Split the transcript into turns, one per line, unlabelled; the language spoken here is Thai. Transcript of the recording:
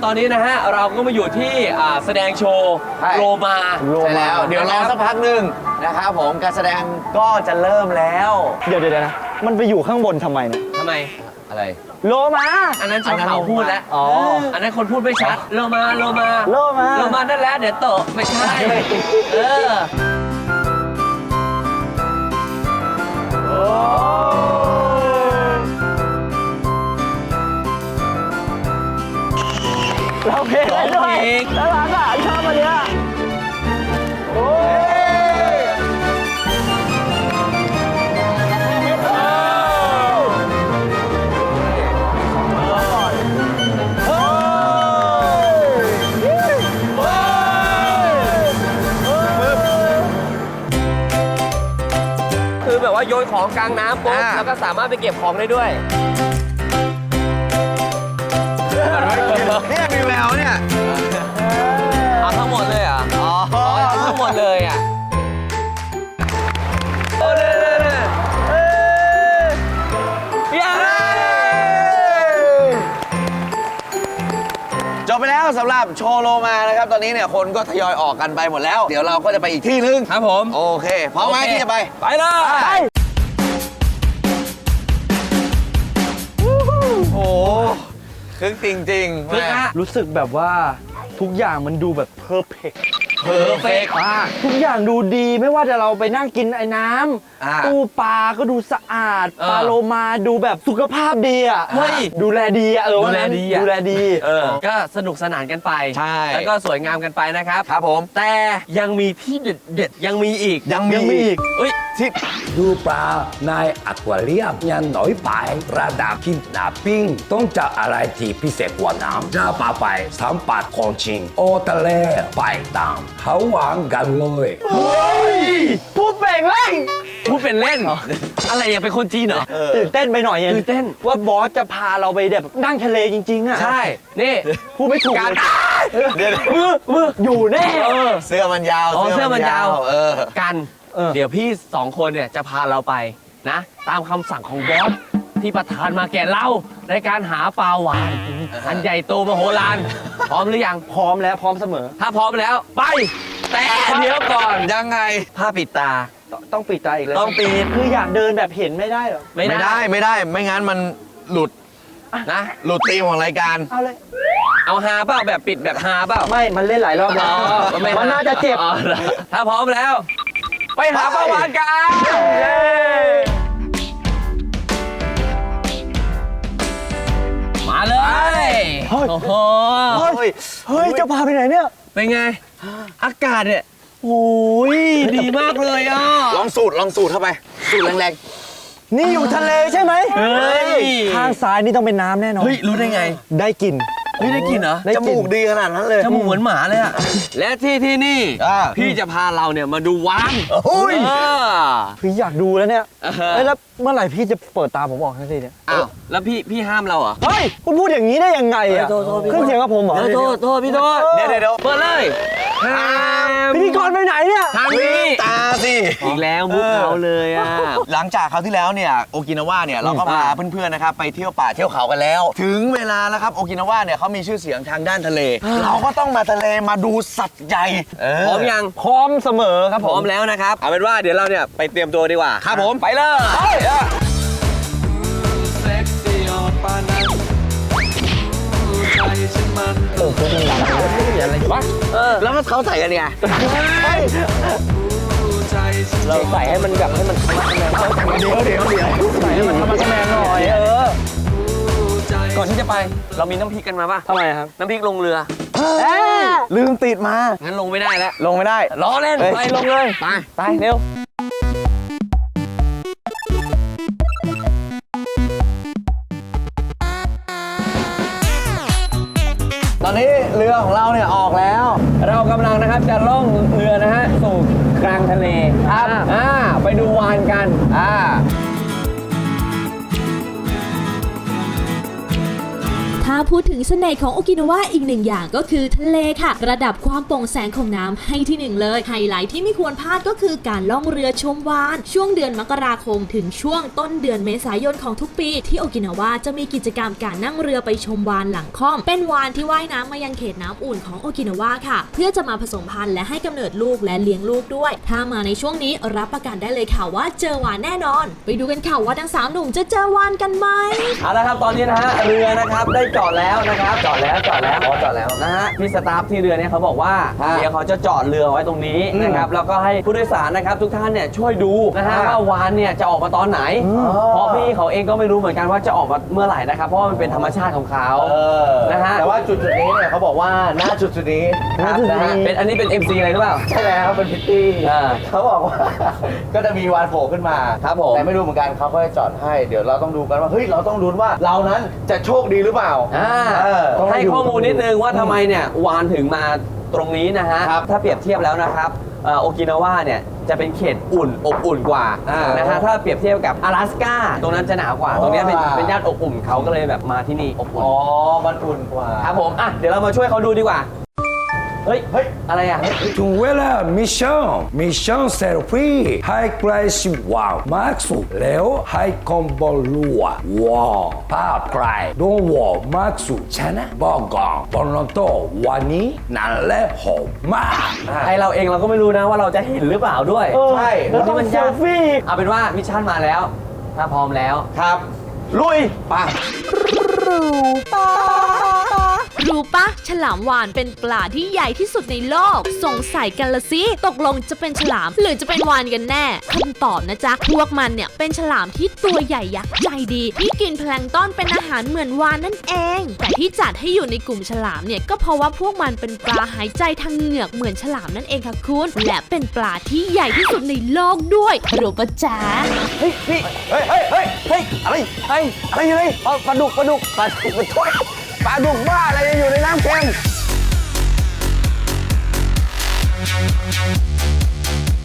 ตอนนี้นะฮะเราก็มาอยู่ที่แสดงโชว์โลมา
ใช่แล้วเดี๋ยวรอสักพักหนึ่งนะครับผมการแสดงก็จะเริ่มแล้ว
เดี๋ยวนะมันไปอยู่ข้างบนทำไมเนี่ย
ทำไม
อะไร
โลมา
อันนั้นชาวเขาพูดแล้ว
อ๋อ
อันนั้นคนพูดไม่ชัดโลมาโลมา
โลมา
โลมานั่นแหละเดี๋ยวโตไม่ใช่เออ
เราเพลงได้ด้วยน่ารักอ่ะชอบอันเนี้ยโอ้ย
คือแบบว่าโยนของกลางน้ำปุ๊บแล้วก็สามารถไปเก็บของได้ด้วย
เนี่ยมีแววเนี่ย
เอาทั้งหมดเลยเหรอ่ะอ๋อเอาทั้งหมดเลยอ่ะโอ้เนี่ย
จบไปแล้วสำหรับโชว์โลมานะครับตอนนี้เนี่ยคนก็ทยอยออกกันไปหมดแล้ว เดี๋ยวเราก็จะไปอีกที่นึง
ครับผม
โอเคพร้อมไหมที่จะไป
ไปเลย
โอ้คึกจริงๆ
คึกฮะ
รู้สึกแบบว่าทุกอย่างมันดูแบบเพอร์เฟกต์
เพอร์เฟกต์มาก
ทุกอย่างดูดีไม่ว่าจะเราไปนั่งกินไอ้น้
อ่า
ำตู้ปลาก็ดูสะอาด
เออ
ปลาโลมาดูแบบสุขภาพดีอ่ะ
เฮ้ย
ดูแลดีอ่ะ
ดูแลดีอะ
ดูแลดี
ก็สนุกสนานกันไป
ใช่
แล้วก็สวยงามกันไปนะครับ
ครับผม
แต่ยังมีที่เด็ดๆยังมีอีก
ยังมีอีก
เอ้ย
ที่
ดูปลาในอควาเรียมยังน้อยไประดับคิดนาปิ้งต้องจับอะไรที่พิเศษกว่าน้ำจะพาไปสัมผัสของจริงโอทะเลไปตามเขาหวังกันเลย
พูดเป่งเล่ง
พูดเป็นเล่น อะไรยังเป็นคนจีนเหรอ
ตื่นเต้นไปหน่อย
ตื่นเต้น
ว่าบอสจะพาเราไปแบบนั่งทะเลจริงๆอ่ะ
ใช่ นี่
พูดไม่ถูก
การ
เดี๋ยว
มืออยู่แน่
เสื้อมันยาว
อ๋อเสื้อมันยาว
เออ
กัน เดี๋ยวพี่สองคนเนี่ยจะพาเราไปนะ ตามคำสั่งของบอสที่ประทานมาแก่เราในการหาปลาหวานอันใหญ่โตมโหฬารพร้อมหรือยัง
พร้อมแล้วพร้อมเสมอ
ถ้าพร้อมแล้วไป แต่เดี๋ยวก่อน
ยังไง
ผ้าปิดตา
ต้องปิดตาอีกเลย
ต้องปิด
คืออยากเดินแบบเห็นไม่ได้เหรอ
ไม่ได้
ไม่งั้นมันหลุด
นะ
หลุดธีมของรายการ
เอาเลย
เอาฮาเปล่าแบบปิดแบบฮาเปล่า
ไม่มันเล่นหลายรอบแล้ว มันน่าจะเจ็บ
อ๋อถ้าพร้อมแล้ว ไปหาปลาหวานกันมาเลย
เฮ้ย
โอ้โห
เฮ้ยจะพาไปไหนเนี่ย
เป็นไง อากาศเนี่ยโอ้ยดีมากเลยอ่ะ
ลองสูดเข้าไป สูดแรง
นี่อยู่ทะเลใช่ไหม
เฮ้ย
ข้างซ้ายนี่ต้องเป็นน้ำแน่นอน
เฮ้ย รู้ได้ไง
ได้กลิ่น
เฮ้ยได้กลินเหรอ
ได้
ๆ จ
กลิ่น
มูกดีขนาดนั้นเลย
จมูกเหมือนหมาเลยอะและที่นี่
อ่า
พี่จะพาเราเนี่ยมาดูวาน
โอ้ย
พี่อยากดูแล้วเนี่ย
อ่าฮะ
เอ้ยแล้วเมื่อไหร่พี่จะเปิดตาผมออกทันทีเนี่ย
อ้าวแล้วพี่ห้ามเราเหรอ
เฮ้ยคุณพูดอย่างนี้ได้ยังไงอ่ะ
โทษพี่
ขึ้นเสียงกับผมเหรอ
โทษพี่โทษ
เดี๋ยว
เปิดเลยห้าม
พิธีกรไปไหนเนี่ย
ทางนี้
ตาสิ
อีกแล้วมุกเขาเลยอ่ะ
หลังจากคราวที่แล้วเนี่ยโอกินาวาเนี่ยเราก็พาเพื่อนๆนะครับไปเที่ยวป่าเที่ยวเขากันแล้ว ถึงเวลาแล้วครับโอกินาวาเนี่ยเขามีชื่อเสียงทางด้านทะเล เราก็ต้องมาทะเลมาดูสัตว์ใหญ่
พร้อมยัง
พร้อมเสมอครับ
พ
ผ
ร้อ
ม
มแล้วนะครับเอาเป็นว่าเดี๋ยวเราเนี่ยไปเตรียมตัวดีกว่า
ครับผม
ไปเลย
อะไรวะ
แล้วก็เขาใส่กันไง
เราใส่ให้มันแบบให้มันทะมักทะแมงเดี๋ยวใส่ให้มันทะมักทะแมงหน่อย
ก่อนที่จะไปเรามีน้ำพริกกันมาป่ะ
ทำไมครับ
น้ำพริกลงเรือ
ลืมติดมา
งั้นลงไม่ได้แล้ว
ลงไม่ได้
ล้อเล่น
เฮ้ย
ไปลงเลยไป
ไปเร็ว
ตอนนี้เรือของเราเนี่ยออกแล้ว
เรากำลังนะครับจะล่องเรือนะฮะสู่กลางทะเลครับไปดูวานกัน
ถ้าาพูดถึงเสน่ห์ของโอกินาวาอีกหนึ่งอย่างก็คือทะเลค่ะระดับความโปร่งแสงของน้ำให้ที่หนึ่งเลยไฮไลท์ที่ไม่ควรพลาดก็คือการล่องเรือชมวาฬช่วงเดือนมกราคมถึงช่วงต้นเดือนเมษายนของทุกปีที่โอกินาวาจะมีกิจกรรมการนั่งเรือไปชมวาฬหลังค่อมเป็นวาฬที่ว่ายน้ำมายังเขตน้ำอุ่นของโอกินาวาค่ะเพื่อจะมาผสมพันธุ์และให้กำเนิดลูกและเลี้ยงลูกด้วยถ้ามาในช่วงนี้รับประกันได้เลยค่ะว่าเจอวาฬแน่นอนไปดูกันค่ะว่าทั้ง3หนุ่มจะเจอวาฬกันไหม
เอาละครับตอนนี้นะฮะเรือนะครับได้จอดแล้วนะครับจอดแล้วนะฮะพี่สตาฟที่เรือเนี่ยเขาบอกว่าเดี๋ยวเขาจะจอดเรือไว้ตรงนี้นะครับแล้วก็ให้ผู้โดยสารนะครับทุกท่านเนี่ยช่วยดูนะฮะว่าวาฬเนี่ยจะออกมาตอนไหนเพราะพี่เขาเองก็ไม่รู้เหมือนกันว่าจะออกมาเมื่อไหร่นะครับเพราะว่ามันเป็นธรรมชาติของเขานะฮะ
แต่ว่าจุดนี้เนี่ยเขาบอกว่าหน้าจุดนี้ครับนะฮะ
เป็นอันนี้เป็น MC อะไรหรือเปล่า
ใช่แล้วเป็นพิตตี้
อ่า
เขาบอกว่า ก็จะมีวานโผล่ขึ้นมา
ครับผม
แต่ไม่รู้เหมือนกันเขาก็จะจอดให้เดี๋ยวเราต้องดูกันว่าเฮ้ยเราต้องลุ้นว่าเรานั้นจะโชคดีหรือเปล่า ต้อง
ให้
ดู
ข้อมูลนิดนึงว่าทำไมเนี่ยวานถึงมาตรงนี้นะฮะ
ครับ
ถ้าเปรียบเทียบแล้วนะครับโอกินาวาเนี่ยจะเป็นเขตอุ่นอบอุ่นกว่านะฮะถ้าเปรียบเทียบกับอลาสก้าตรงนั้นจะหนาวกว่าตรงนี้เป็นย่านอบอุ่นเขาก็เลยแบบมาที่นี่อบอุ่น
อ๋อมันอุ่นกว่า
ครับผมอ่ะเดี๋ยวเรามาช่วยเขาดูดีกว่าเฮ้ยอะไรอ่ะ
ถึงเวลามิชชั่นเซลฟี่ให้ใกล้ชิดวาวมากสุดแล้วให้คอมบอลลัวว้าวภาพใครโดนวอมากสุดชนะบอกก่อนตอนนั้นตัววันนี้นั่นแหละหอมมาก
ไอเราเองเราก็ไม่รู้นะว่าเราจะเห็นหรือเปล่าด้วย
ใช่
แล้วนี่มันยากเอาเป็นว่ามิชชั่นมาแล้ว ถ้าพร้อมแล้ว
ครับ
ลุยไป
รู้ปะฉลามวาฬเป็นปลาที่ใหญ่ที่สุดในโลกสงสัยกันละสิตกลงจะเป็นฉลามหรือจะเป็นวาฬกันแน่คำตอบนะจ๊ะพวกมันเนี่ยเป็นฉลามที่ตัวใหญ่ยักษ์ใจดีที่กินแพลงก์ต้อนเป็นอาหารเหมือนวาฬนั่นเองแต่ที่จัดให้อยู่ในกลุ่มฉลามเนี่ยก็เพราะว่าพวกมันเป็นปลาหายใจทางเหงือกเหมือนฉลามนั่นเองค่ะคุณและเป็นปลาที่ใหญ่ที่สุดในโลกด้วยรู้ปะจ๊ะ
เฮ้ยอะไรอะไรปลาดุกปลาดุกบ้าอะไรอยู่ในน้ำเค็ม